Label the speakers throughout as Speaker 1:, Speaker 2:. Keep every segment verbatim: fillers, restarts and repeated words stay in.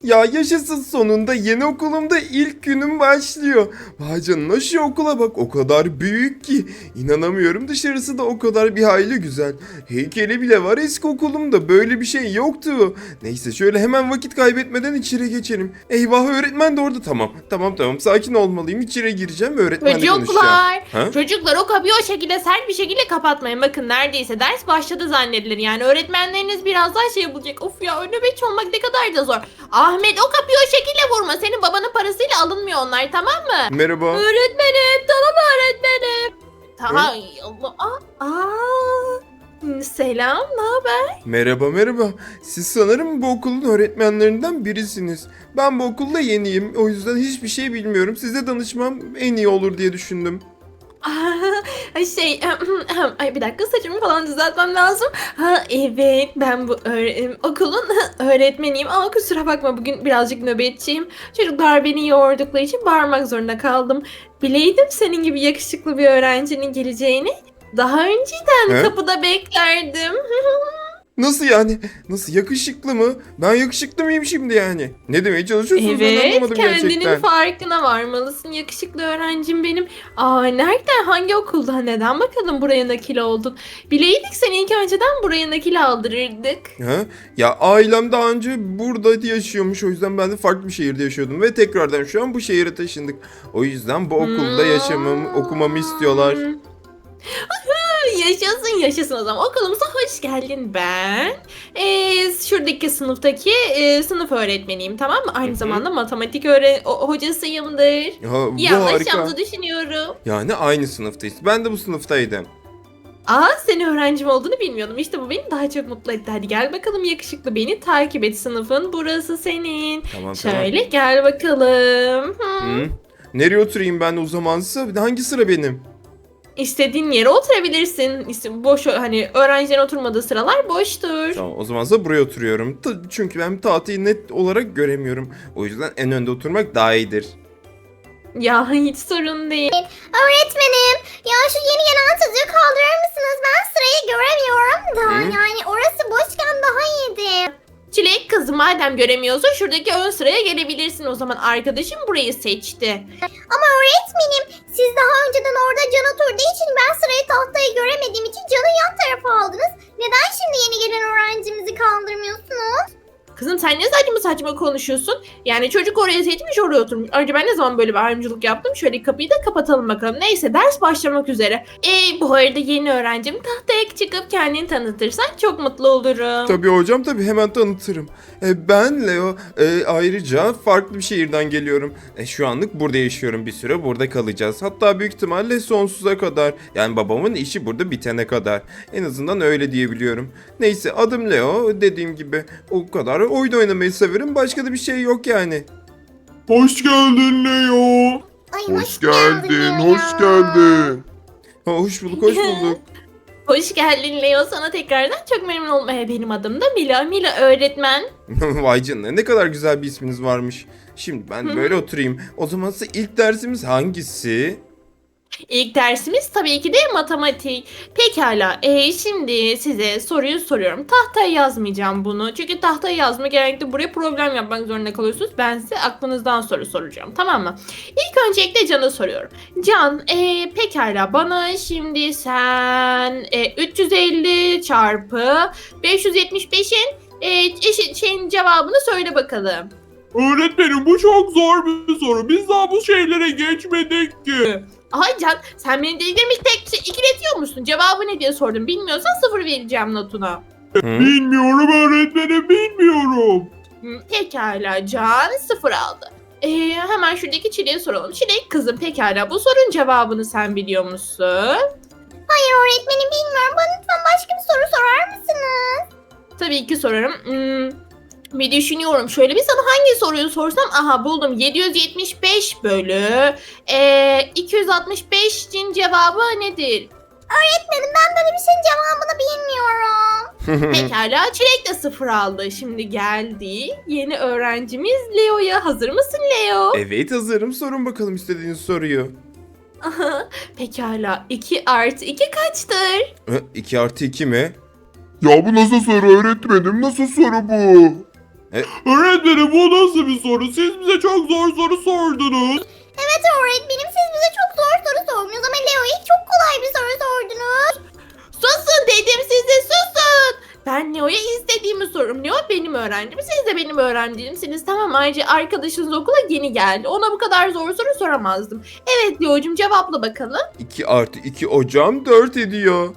Speaker 1: Ya yaşasın, sonunda yeni okulumda ilk günüm başlıyor. Vay canına, şu okula bak, o kadar büyük ki. İnanamıyorum, dışarısı da o kadar bir hayli güzel. Heykeli bile var, eski okulumda böyle bir şey yoktu. Neyse, şöyle hemen vakit kaybetmeden içeri geçelim. Eyvah, öğretmen de orada. Tamam tamam tamam, sakin olmalıyım, içeri gireceğim ve öğretmenle konuşacağım.
Speaker 2: Çocuklar,
Speaker 1: Ha?
Speaker 2: çocuklar o kapıyı o şekilde sert bir şekilde kapatmayın. Bakın neredeyse ders başladı zannedilir. Yani öğretmenleriniz birazdan şey bulacak. Of ya, nöbetçi olmak ne kadar da zor. Ahmet, o kapıyı o şekilde vurma. Senin babanın parasıyla alınmıyor onlar, tamam mı?
Speaker 1: Merhaba.
Speaker 2: Öğretmenim, tamam öğretmenim. Tamam. Aa, aa. Selam, ne haber?
Speaker 1: Merhaba merhaba. Siz sanırım bu okulun öğretmenlerinden birisiniz. Ben bu okulda yeniyim. O yüzden hiçbir şey bilmiyorum. Size danışmam en iyi olur diye düşündüm.
Speaker 2: Ay şey, ay bir dakika, saçımı falan düzeltmem lazım. Ha evet, ben bu öğre- okulun öğretmeniyim ama kusura bakma, bugün birazcık nöbetçiyim. Çocuklar beni yordukları için bağırmak zorunda kaldım. Bileydim senin gibi yakışıklı bir öğrencinin geleceğini. Daha önceden
Speaker 1: He?
Speaker 2: kapıda beklerdim.
Speaker 1: Nasıl yani? Nasıl, yakışıklı mı? Ben yakışıklı mıyım şimdi yani? Ne demeye çalışıyorsunuz, ben
Speaker 2: Evet,
Speaker 1: anlamadım
Speaker 2: kendinin
Speaker 1: gerçekten.
Speaker 2: farkına varmalısın yakışıklı öğrencim benim. Aa, nereden, hangi okulda, neden bakalım buraya nakil oldun? Bileydik seni ilk önceden buraya nakil aldırırdık.
Speaker 1: Ha? Ya ailem daha önce burada yaşıyormuş, o yüzden ben de farklı bir şehirde yaşıyordum ve tekrardan şu an bu şehire taşındık. O yüzden bu okulda yaşamamı, okumamı istiyorlar.
Speaker 2: Hmm. Yaşasın yaşasın, o zaman okulumuza hoş geldin. Ben ee, şuradaki sınıftaki ee, sınıf öğretmeniyim, tamam mı? Aynı
Speaker 1: hı.
Speaker 2: zamanda matematik öğre o- hocasıyımdır.
Speaker 1: Ha,
Speaker 2: İyi
Speaker 1: bu harika.
Speaker 2: anlaşacağımızı düşünüyorum.
Speaker 1: Yani aynı sınıftayız. Ben de bu sınıftaydım.
Speaker 2: Aa, senin öğrencim olduğunu bilmiyordum. İşte bu beni daha çok mutlu etti. Hadi gel bakalım yakışıklı, beni takip et. Sınıfın burası senin.
Speaker 1: Tamam tamam.
Speaker 2: Şöyle gel bakalım. Hı.
Speaker 1: Hı? Nereye oturayım ben o zamansa? Hangi sıra benim?
Speaker 2: İstediğin yere oturabilirsin. İşte boş, hani öğrencilerin oturmadığı sıralar boştur.
Speaker 1: Tamam, o zamansa buraya oturuyorum. Ta- çünkü ben tahtayı net olarak göremiyorum. O yüzden en önde oturmak daha iyidir.
Speaker 2: Ya hiç sorun değil.
Speaker 3: Öğretmenim, ya şu yeni gelen çocuğu kaldırır mısınız? Ben sırayı göremiyorum da.
Speaker 1: Hı?
Speaker 3: Yani orası boşken daha iyiydi.
Speaker 2: Çilek kızım, madem göremiyorsun şuradaki ön sıraya gelebilirsin. O zaman arkadaşım burayı seçti.
Speaker 3: Ama öğretmenim, siz daha önceden orada Can oturduğu için ben sırayı tahtayı göremediğim için Can'ı yan tarafa aldınız. Neden şimdi yeni gelen öğrencimizi kaldırmıyorsunuz?
Speaker 2: Kızım sen ne saçma saçma konuşuyorsun? Yani çocuk oraya seçmiş, oraya oturmuş. Ayrıca ben ne zaman böyle bir ayrımcılık yaptım? Şöyle kapıyı da kapatalım bakalım. Neyse, ders başlamak üzere. Ee, bu arada yeni öğrencim, tahtaya çıkıp kendini tanıtırsan çok mutlu olurum.
Speaker 1: Tabii hocam, tabii, hemen tanıtırım. E, ben Leo. E, ayrıca farklı bir şehirden geliyorum. E, şu anlık burada yaşıyorum, bir süre burada kalacağız. Hatta büyük ihtimalle sonsuza kadar. Yani babamın işi burada bitene kadar. En azından öyle diyebiliyorum. Neyse, adım Leo. Dediğim gibi o kadar. Oyun oynamayı severim. Başka da bir şey yok yani.
Speaker 4: Hoş geldin Leo.
Speaker 3: Ay,
Speaker 4: Hoş geldin,
Speaker 3: ya.
Speaker 4: hoş geldin.
Speaker 1: Ha, hoş bulduk, hoş bulduk.
Speaker 2: Hoş geldin Leo, sana tekrardan çok memnun oldum. Ee, benim adım da Mila. Mila öğretmen.
Speaker 1: Vay canına, ne kadar güzel bir isminiz varmış. Şimdi ben böyle oturayım. O zaman size ilk dersimiz hangisi?
Speaker 2: İlk dersimiz tabii ki de matematik. Pekala. Ee, şimdi size soruyu soruyorum. Tahtaya yazmayacağım bunu. Çünkü tahtaya yazma genellikle buraya problem yapmak zorunda kalıyorsunuz. Ben size aklınızdan soru soracağım. Tamam mı? İlk öncelikle Can'a soruyorum. Can, ee, pekala bana şimdi sen ee, üç yüz elli çarpı beş yüz yetmiş beşin ee, eşit şeyin cevabını söyle bakalım.
Speaker 4: Öğretmenim, bu çok zor bir soru. Biz daha bu şeylere geçmedik ki.
Speaker 2: Ay Can, sen beni delirmiş tek şey ikiletiyor musun? Cevabı ne diye sordum. Bilmiyorsan sıfır vereceğim notuna.
Speaker 1: Hı?
Speaker 4: Bilmiyorum öğretmenim, bilmiyorum.
Speaker 2: Hı, pekala, Can sıfır aldı. Ee, hemen şuradaki Çilek'e soralım. Çilek kızım, pekala bu sorunun cevabını sen biliyor musun?
Speaker 3: Hayır öğretmenim, bilmiyorum. Bana lütfen başka bir soru sorar mısınız?
Speaker 2: Tabii ki sorarım. Hmm, bir düşünüyorum. Şöyle bir sana hangi soruyu sorsam. Aha, buldum. yedi yüz yetmiş beş bölü ee, iki yüz altmış beşin cevabı nedir?
Speaker 3: Öğretmenim, ben böyle bir şeyin cevabını bilmiyorum.
Speaker 2: Pekala, Çilek de sıfır aldı. Şimdi geldi yeni öğrencimiz Leo'ya. Hazır mısın Leo?
Speaker 1: Evet, hazırım. Sorun bakalım istediğiniz soruyu.
Speaker 2: Aha, pekala, iki artı iki kaçtır?
Speaker 1: iki artı iki mi?
Speaker 4: Ya bu nasıl soru öğretmenim? Nasıl soru bu? Öğretmenim bu nasıl bir soru? Siz bize çok zor soru sordunuz.
Speaker 3: Evet öğretmenim siz bize çok zor soru sordunuz ama Leo'ya çok kolay bir soru sordunuz.
Speaker 2: Susun dedim size, susun. Ben Leo'ya istediğimi sorurum. Leo benim öğrencim. Siz de benim öğrencimsiniz. Tamam, ayrıca arkadaşınız okula yeni geldi. Ona bu kadar zor soru soramazdım. Evet Leo'cum, cevapla bakalım.
Speaker 1: iki artı iki hocam dört ediyor.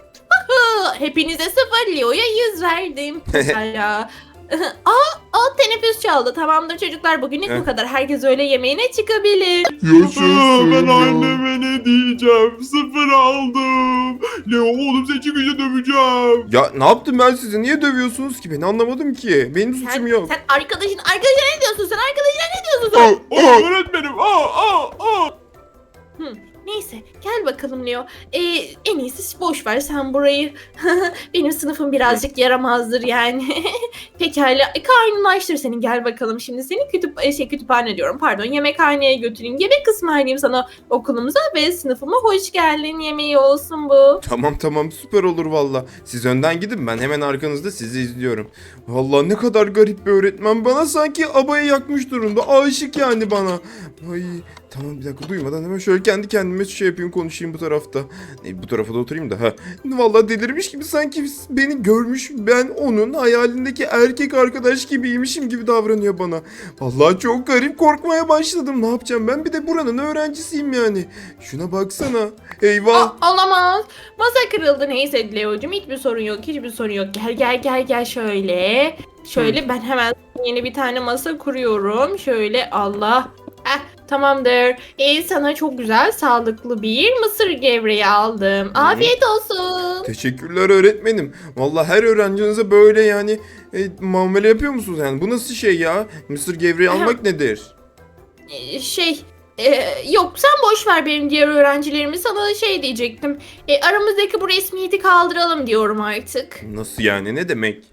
Speaker 2: Hı, hepinize sıfır, Leo'ya yüz verdim. Hala. Aa, aa, teneffüs çaldı. Tamamdır çocuklar, bugünlük bu
Speaker 1: Heh.
Speaker 2: kadar. Herkes öğle yemeğine çıkabilir.
Speaker 4: Aa, ben anneme ne diyeceğim? Sıfır aldım. Leo oğlum seni çıkınca döveceğim.
Speaker 1: Ya ne yaptım ben size? Niye dövüyorsunuz ki? Ben anlamadım ki. Benim suçum
Speaker 2: Sen,
Speaker 1: yok.
Speaker 2: sen arkadaşın, arkadaşına ne diyorsun sen? Arkadaşına ne diyorsun sen?
Speaker 1: Oh,
Speaker 4: Aa,
Speaker 1: oh.
Speaker 4: öğretmenim. Aa, aa, aa.
Speaker 2: Hı, neyse gel bakalım Leo. Ee, en iyisi boş ver sen burayı. Benim sınıfım birazcık yaramazdır yani. Pekala, e, karnını açtır senin, gel bakalım. Şimdi seni kütüp e, şey kütüphane diyorum, pardon, yemekhaneye götüreyim. Yemek ısmarlayayım sana okulumuza ve sınıfıma hoş geldin yemeği olsun bu.
Speaker 1: Tamam tamam, süper olur valla. Siz önden gidin, ben hemen arkanızda sizi izliyorum. Valla ne kadar garip bir öğretmen. Bana sanki abayı yakmış durumda. Aşık yani bana. Ay tamam, bir dakika, duymadan hemen şöyle kendi kendime şey yapayım, konuşayım bu tarafta. E, bu tarafa da oturayım da. Ha. Valla delirmiş gibi, sanki beni görmüş, ben onun hayalindeki erkek arkadaş gibiymişim gibi davranıyor bana. Vallahi çok garip, korkmaya başladım. Ne yapacağım ben, bir de buranın öğrencisiyim yani. Şuna baksana. Eyvah.
Speaker 2: Aa, olamaz. Masa kırıldı. Neyse Leo'cum, hiçbir sorun yok. Hiçbir sorun yok. Gel gel gel gel şöyle. Şöyle ben hemen yeni bir tane masa kuruyorum. Şöyle, Allah. Eh, tamamdır. Ee, sana çok güzel sağlıklı bir mısır gevreği aldım. Afiyet olsun.
Speaker 1: Teşekkürler öğretmenim. Vallahi her öğrencinize böyle yani e, muamele yapıyor musunuz yani? Bu nasıl şey ya? Mısır gevreği almak nedir?
Speaker 2: Ee, şey e, yok sen boş ver benim diğer öğrencilerimi, sana şey diyecektim. E, aramızdaki bu resmiyeti kaldıralım diyorum artık.
Speaker 1: Nasıl yani? Ne demek?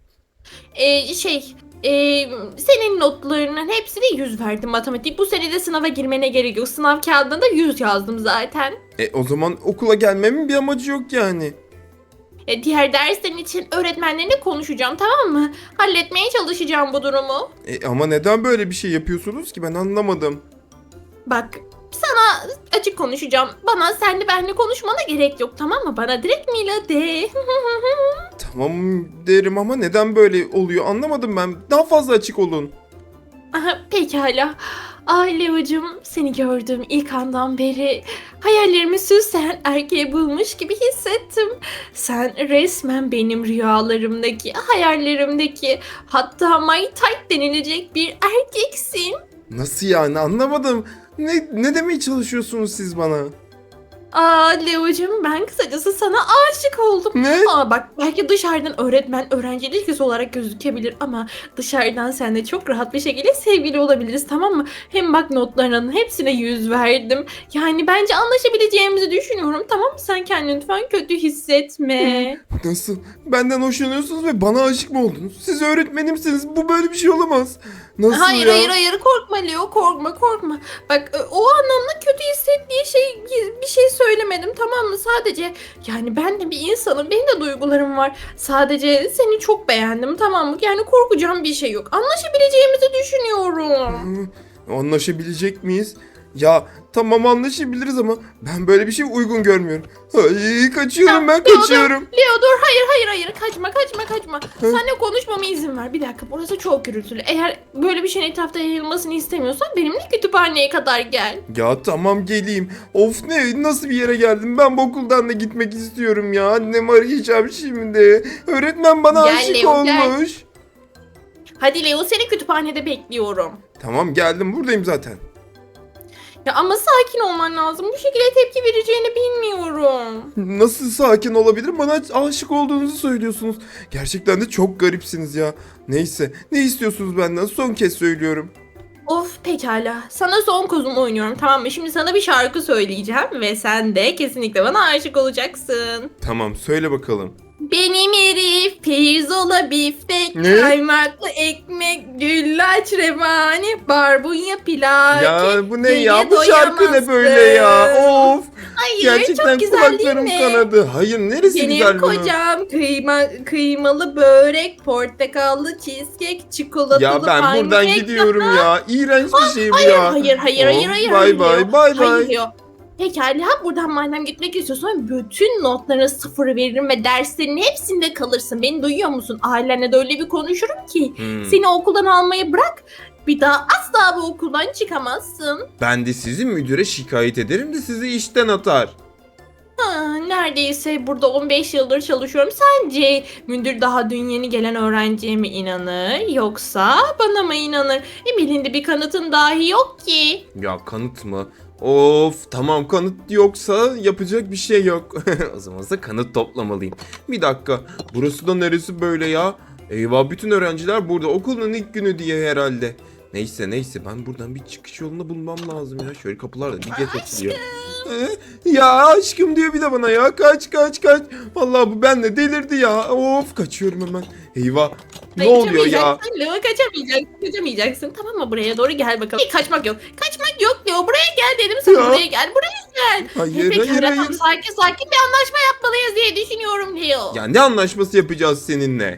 Speaker 2: E, şey e, senin notlarının hepsine yüz verdim matematik. Bu sene de sınava girmene gerek yok. Sınav kağıdında yüz yazdım zaten.
Speaker 1: E o zaman okula gelmemin bir amacı yok yani.
Speaker 2: E, diğer derslerin için öğretmenlerine konuşacağım, tamam mı? Halletmeye çalışacağım bu durumu.
Speaker 1: E ama neden böyle bir şey yapıyorsunuz ki, ben anlamadım.
Speaker 2: Bak, sana açık konuşacağım. Bana senle benle konuşmana gerek yok, tamam mı? Bana direkt Mila de.
Speaker 1: Tamam derim ama neden böyle oluyor anlamadım ben. Daha fazla açık olun.
Speaker 2: Aha, pekala. Ay Leo'cum, seni gördüğüm ilk andan beri hayallerimi süsleyen erkeği bulmuş gibi hissettim. Sen resmen benim rüyalarımdaki, hayallerimdeki, hatta my type denilecek bir erkeksin.
Speaker 1: Nasıl yani, anlamadım. Ne, ne demeye çalışıyorsunuz siz bana?
Speaker 2: Aa Leo'cum, ben kısacası sana aşık oldum.
Speaker 1: Ne?
Speaker 2: Ama bak, belki dışarıdan öğretmen öğrenci ilişkisi olarak gözükebilir ama dışarıdan seninle çok rahat bir şekilde sevgili olabiliriz, tamam mı? Hem bak, notlarının hepsine yüz verdim. Yani bence anlaşabileceğimizi düşünüyorum, tamam mı? Sen kendini lütfen kötü hissetme.
Speaker 1: Nasıl? Benden hoşlanıyorsunuz ve bana aşık mı oldunuz? Siz öğretmenimsiniz. Bu böyle bir şey olamaz. Nasıl
Speaker 2: Hayır
Speaker 1: ya?
Speaker 2: hayır hayır, korkma Leo, korkma korkma. Bak, e, o anlamda kötü hissettiği şey bir şey söylemedim, tamam mı? Sadece yani ben de bir insanım, benim de duygularım var. Sadece seni çok beğendim, tamam mı? Yani korkacağım bir şey yok. Anlaşabileceğimizi düşünüyorum.
Speaker 1: Hı, anlaşabilecek miyiz? Ya tamam, anlaşabiliriz ama ben böyle bir şey uygun görmüyorum. Ay, kaçıyorum, ben
Speaker 2: Leo,
Speaker 1: kaçıyorum.
Speaker 2: Leo dur, hayır hayır hayır, kaçma kaçma kaçma. Seninle konuşmama izin ver. Bir dakika, burası çok gürültülü. Eğer böyle bir şeyin etrafta yayılmasını istemiyorsan benimle kütüphaneye kadar gel.
Speaker 1: Ya tamam, geleyim. Of, ne nasıl bir yere geldim? Ben bu okuldan da gitmek istiyorum ya. Annemi arayacağım şimdi. Öğretmen bana
Speaker 2: Gel
Speaker 1: aşık
Speaker 2: Leo, gel.
Speaker 1: olmuş.
Speaker 2: Hadi Leo, seni kütüphanede bekliyorum.
Speaker 1: Tamam, geldim, buradayım zaten.
Speaker 2: Ya ama sakin olman lazım. Bu şekilde tepki vereceğini bilmiyorum.
Speaker 1: Nasıl sakin olabilirim? Bana aşık olduğunuzu söylüyorsunuz. Gerçekten de çok garipsiniz ya. Neyse, ne istiyorsunuz benden? Son kez söylüyorum.
Speaker 2: Of, pekala. Sana son kozumu oynuyorum, tamam mı? Şimdi sana bir şarkı söyleyeceğim ve sen de kesinlikle bana aşık olacaksın.
Speaker 1: Tamam, söyle bakalım.
Speaker 2: Benim herif pirzola biftek,
Speaker 1: Ne?
Speaker 2: kaymaklı ekmek, güllaç revani, barbunya pilav.
Speaker 1: Ya bu ne
Speaker 2: Yeye
Speaker 1: ya? Bu şarkı ne
Speaker 2: doyamazsın.
Speaker 1: böyle ya? Of.
Speaker 2: Hayır,
Speaker 1: Gerçekten
Speaker 2: çok güzel değil
Speaker 1: kulaklarım
Speaker 2: mi?
Speaker 1: kanadı. Hayır, neresi
Speaker 2: Benim
Speaker 1: güzel bunun?
Speaker 2: kocam kıyma, kıymalı börek, portakallı cheesecake, çikolatalı
Speaker 1: Ya ben
Speaker 2: pankek.
Speaker 1: buradan gidiyorum ya. İğrenç bir şey bu
Speaker 2: Hayır,
Speaker 1: ya.
Speaker 2: hayır, hayır, hayır,
Speaker 1: Of,
Speaker 2: hayır.
Speaker 1: Bay
Speaker 2: hayır
Speaker 1: bay,
Speaker 2: Leo.
Speaker 1: bay
Speaker 2: Hayır
Speaker 1: bay.
Speaker 2: Leo. Pekala, buradan madem gitmek istiyorsan bütün notlarına sıfır veririm ve derslerin hepsinde kalırsın. Beni duyuyor musun? Ailenle de öyle bir konuşurum ki
Speaker 1: Hmm.
Speaker 2: seni okuldan almayı bırak. Bir daha asla bu okuldan çıkamazsın.
Speaker 1: Ben de sizi müdüre şikayet ederim de sizi işten atar.
Speaker 2: Ha, neredeyse burada on beş yıldır çalışıyorum. Sence müdür daha dün yeni gelen öğrenciye mi inanır yoksa bana mı inanır? Emily'nin bir kanıtın dahi yok ki.
Speaker 1: Ya kanıt mı? Of, tamam, kanıt yoksa yapacak bir şey yok. O zaman da kanıt toplamalıyım. Bir dakika, burası da neresi böyle ya? Eyvah, bütün öğrenciler burada, okulun ilk günü diye herhalde. Neyse neyse, ben buradan bir çıkış yolunu bulmam lazım ya. Şöyle kapılar da bir geç açılıyor. Ee, ya aşkım diyor bir de bana ya. Kaç kaç kaç. Vallahi bu benle delirdi ya. Of, kaçıyorum hemen. Eyvah. Ne oluyor ya?
Speaker 2: Kaçamayacaksın Leo, kaçamayacaksın, kaçamayacaksın. Tamam mı? Buraya doğru gel bakalım. Hey, kaçmak yok. Kaçmak yok Leo. Buraya gel dedim sana.
Speaker 1: Ya.
Speaker 2: Buraya gel. Buraya gel.
Speaker 1: Hayır
Speaker 2: Peki,
Speaker 1: hayır
Speaker 2: tamam,
Speaker 1: hayır.
Speaker 2: sakin sakin bir anlaşma yapmalıyız diye düşünüyorum Leo.
Speaker 1: Ya ne anlaşması yapacağız seninle?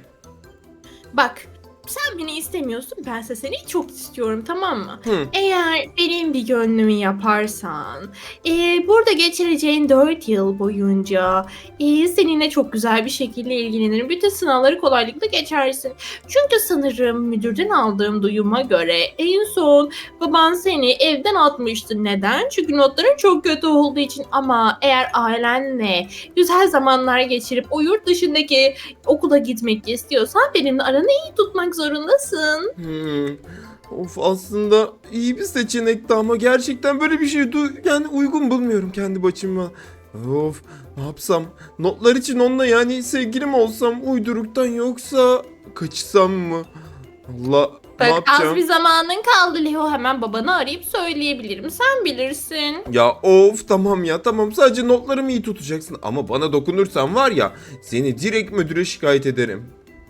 Speaker 2: Bak, sen beni istemiyorsun, bense seni çok istiyorum, tamam mı?
Speaker 1: Hı.
Speaker 2: Eğer benim bir gönlümü yaparsan, e, burada geçireceğin dört yıl boyunca e, seninle çok güzel bir şekilde ilgilenirim. Bütün sınavları kolaylıkla geçersin. Çünkü sanırım müdürden aldığım duyuma göre en son baban seni evden atmıştı. Neden? Çünkü notların çok kötü olduğu için. Ama eğer ailenle güzel zamanlar geçirip o yurt dışındaki okula gitmek istiyorsan benimle aranı iyi tutmak zorundasın.
Speaker 1: Hmm. Of, aslında iyi bir seçenekti ama gerçekten böyle bir şey du- yani uygun bulmuyorum kendi başıma. Of, ne yapsam? Notlar için onunla yani sevgilim olsam uyduruktan, yoksa kaçsam mı? Allah, ne
Speaker 2: Bak, az
Speaker 1: yapacağım?
Speaker 2: bir zamanın kaldı Leo, hemen babanı arayıp söyleyebilirim. Sen bilirsin.
Speaker 1: Ya of, tamam ya tamam, sadece notlarımı iyi tutacaksın ama bana dokunursan var ya, seni direkt müdüre şikayet ederim.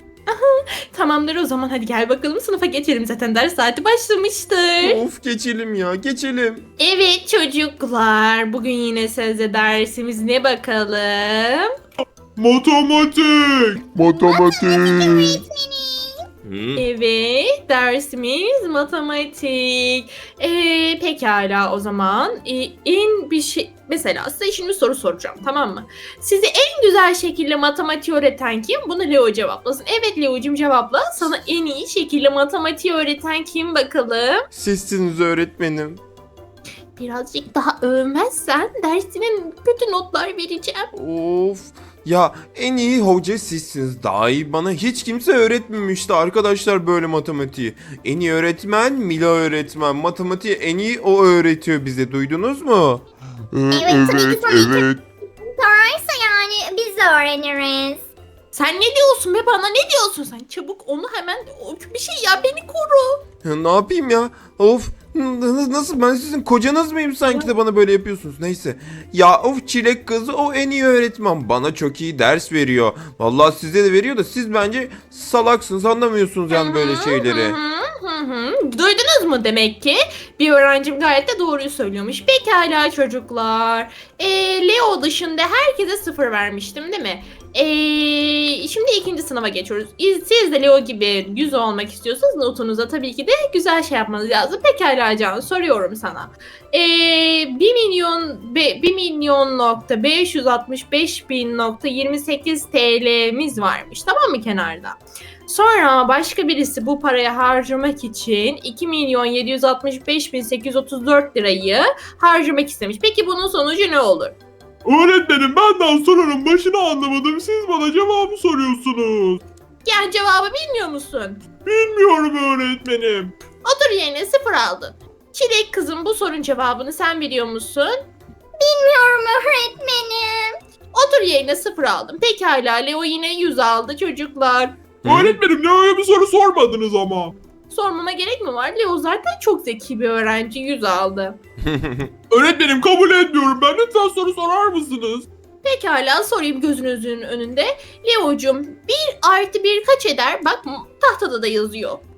Speaker 2: Tamamdır, o zaman hadi gel bakalım sınıfa geçelim. Zaten ders saati başlamıştır.
Speaker 1: Of, geçelim ya, geçelim.
Speaker 2: Evet çocuklar, bugün yine sözde dersimiz ne bakalım?
Speaker 4: Matematik.
Speaker 1: Matematik. Hı.
Speaker 2: Evet, dersimiz matematik. Ee, pekala o zaman. Ee, en bir şey, mesela size şimdi soru soracağım, tamam mı? Sizi en güzel şekilde matematiği öğreten kim? Bunu Leo cevaplasın. Evet Leo'cum cevapla. Sana en iyi şekilde matematiği öğreten kim bakalım?
Speaker 1: Sizsiniz öğretmenim.
Speaker 2: Birazcık daha övmezsen dersine kötü notlar vereceğim.
Speaker 1: Of. Ya en iyi hoca sizsiniz. Daha iyi bana hiç kimse öğretmemişti arkadaşlar böyle matematiği. En iyi öğretmen Mila öğretmen. Matematiği en iyi o öğretiyor bize. Duydunuz mu?
Speaker 3: Evet, tabii ki tabii ki. Sorarsa yani biz de öğreniriz.
Speaker 2: Sen ne diyorsun be bana, ne diyorsun sen? Çabuk onu hemen bir şey ya, beni koru.
Speaker 1: Ya ne yapayım ya? Of. n- Nasıl, ben sizin kocanız mıyım sanki de bana böyle yapıyorsunuz? Neyse. Ya of, çilek kızı o en iyi öğretmen. Bana çok iyi ders veriyor. Vallahi size de veriyor da siz bence salaksınız, anlamıyorsunuz yani böyle şeyleri.
Speaker 2: Hı hı, hı hı. Duydunuz mu demek ki? Bir öğrencim gayet de doğruyu söylüyormuş. Pekala çocuklar. Ee, Leo dışında herkese sıfır vermiştim değil mi? Ee, şimdi ikinci sınava geçiyoruz. Siz de Leo gibi yüz olmak istiyorsanız notunuza tabii ki de güzel şey yapmanız lazım. Pekala Can, soruyorum sana. Ee, bir milyon be, bir milyon nokta beş yüz altmış beş bin nokta yirmi sekiz T L'miz varmış, tamam mı kenarda? Sonra başka birisi bu parayı harcamak için iki milyon yedi yüz altmış beş bin sekiz yüz otuz dört lirayı harcamak istemiş. Peki bunun sonucu ne olur?
Speaker 4: Öğretmenim, benden sorunun başını anlamadım. Siz bana cevabı soruyorsunuz.
Speaker 2: Yani cevabı bilmiyor musun?
Speaker 4: Bilmiyorum öğretmenim.
Speaker 2: Otur yerine, sıfır aldın. Çilek kızım, bu sorunun cevabını sen biliyor musun?
Speaker 3: Bilmiyorum öğretmenim.
Speaker 2: Otur yerine, sıfır aldım. Pekala Leo yine yüz aldı çocuklar.
Speaker 1: Hı?
Speaker 4: Öğretmenim, ne öyle bir soru sormadınız ama.
Speaker 2: Sormama gerek mi var? Leo zaten çok zeki bir öğrenci, yüz aldı.
Speaker 4: Öğretmenim, kabul etmiyorum ben. Lütfen soru sorar mısınız?
Speaker 2: Pekala sorayım gözünüzün önünde. Leo'cum bir artı bir kaç eder? Bak tahtada da yazıyor.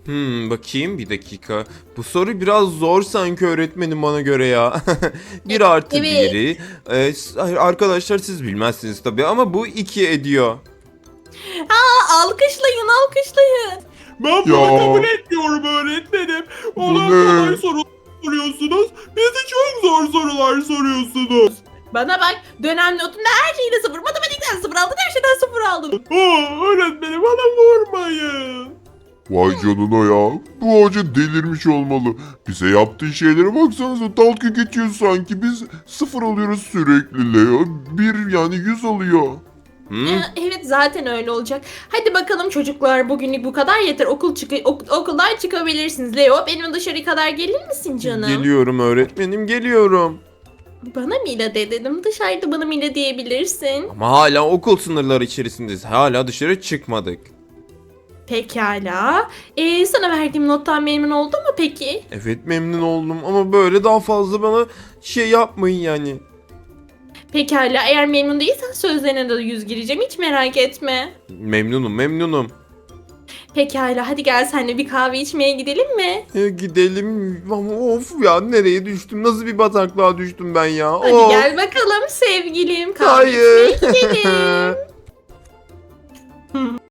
Speaker 1: Hmm, bakayım bir dakika. Bu soru biraz zor sanki öğretmenim bana göre ya. Bir artı
Speaker 2: Evet.
Speaker 1: biri. Ee, s- hayır, arkadaşlar siz bilmezsiniz tabii ama bu iki ediyor.
Speaker 2: Aa, alkışlayın alkışlayın.
Speaker 4: Ben bunu
Speaker 5: Ya.
Speaker 4: kabul etmiyorum öğretmenim.
Speaker 5: Bu
Speaker 4: Olan
Speaker 5: ne?
Speaker 4: kolay sorular soruyorsunuz. Bize çok zor sorular soruyorsunuz.
Speaker 2: Bana bak, dönem notumda her şeyde sıfır. Matematikten sıfır aldın, her şeyden sıfır aldın.
Speaker 4: Aa, öğretmenim bana vurmayın.
Speaker 5: Vay canına ya. Bu hoca delirmiş olmalı. Bize yaptığı şeylere baksanıza, dalga geçiyor sanki. Biz sıfır alıyoruz sürekli Leo. Bir yani yüz alıyor.
Speaker 1: Hmm?
Speaker 2: Ya, evet zaten öyle olacak. Hadi bakalım çocuklar, bugünlük bu kadar yeter. Okul çıkı ok- okuldan çıkabilirsiniz. Leo, benim dışarı kadar gelir misin canım?
Speaker 1: Geliyorum öğretmenim, geliyorum.
Speaker 2: Bana Mila de dedim. Dışarıda bana Mila diyebilirsin.
Speaker 1: Ama hala okul sınırları içerisindeyiz. Hala dışarı çıkmadık.
Speaker 2: Pekala. Ee, sana verdiğim nottan memnun oldun mu peki?
Speaker 1: Evet, memnun oldum ama böyle daha fazla bana şey yapmayın yani.
Speaker 2: Pekala. Eğer memnun değilsen sözlerine de yüz gireceğim. Hiç merak etme.
Speaker 1: Memnunum, memnunum.
Speaker 2: Pekala. Hadi gel seninle bir kahve içmeye gidelim mi?
Speaker 1: E, gidelim ama of ya, nereye düştüm? Nasıl bir bataklığa düştüm ben ya?
Speaker 2: Hadi
Speaker 1: Of.
Speaker 2: gel bakalım sevgilim. Kahve
Speaker 1: Hayır.
Speaker 2: içmeye gidelim.